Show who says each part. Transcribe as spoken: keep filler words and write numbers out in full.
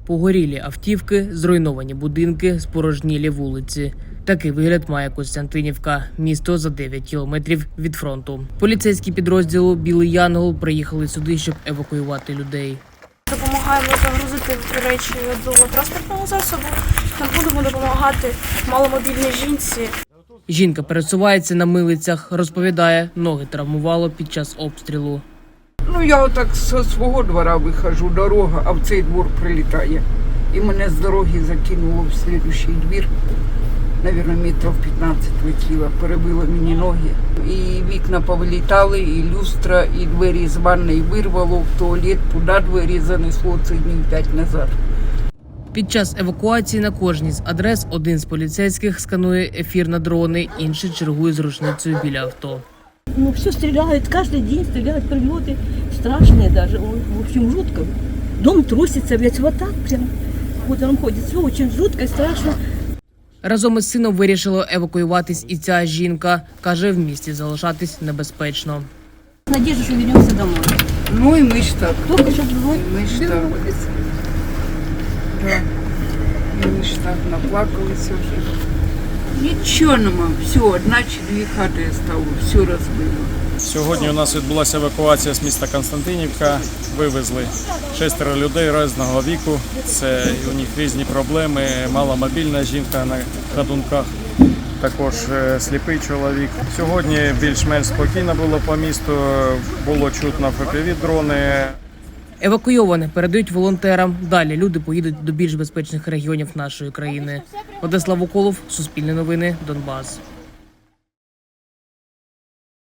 Speaker 1: Погорілі автівки, зруйновані будинки, спорожнілі вулиці. Такий вигляд має Костянтинівка, місто за дев'ять кілометрів від фронту. Поліцейські підрозділу «Білий Янгол» приїхали сюди, щоб евакуювати людей.
Speaker 2: Допомагаємо загрузити речі до транспортного засобу. Ми будемо допомагати маломобільній жінці.
Speaker 1: Жінка пересувається на милицях, розповідає, ноги травмувало під час обстрілу.
Speaker 3: Ну, я отак зі свого двора виходжу, дорога, а в цей двор прилітає. І мене з дороги закинуло в слідуючий двір. Навірно, метрів п'ятнадцять летіло, перебило мені ноги. І вікна повилітали, і люстра, і двері з ванної вирвало в туалет, туди двері занесло, це днів п'ять назад.
Speaker 1: Під час евакуації на кожній з адрес один з поліцейських сканує ефір на дрони, інший чергує з рушницею біля авто.
Speaker 4: Ну, все стреляют, каждый день стреляют, прилеты страшные даже, в общем, жутко. Дом трусится, ведь вот так прям, вот он ходит, все очень жутко и страшно.
Speaker 1: Разом із сином вирішила евакуюватись і ця жінка. Каже, в місті залишатись небезпечно.
Speaker 4: Надежда, что вернемся домой.
Speaker 3: Ну і ми ж так.
Speaker 4: Только чтобы домой
Speaker 3: Ми ж так. Да. І ми ж так наплакалися вже. Нічого нема, все, одна чи дві хати стало, все розбило.
Speaker 5: Сьогодні у нас відбулася евакуація з міста Константинівка. Вивезли шестеро людей різного віку. Це у них різні проблеми. Маломобільна жінка на ходунках, також сліпий чоловік. Сьогодні більш-менш спокійно було по місту, було чутно еф пі ві-дрони.
Speaker 1: Евакуйоване передають волонтерам. Далі люди поїдуть до більш безпечних регіонів нашої країни. Владислав Уколов, Суспільне новини, Донбас.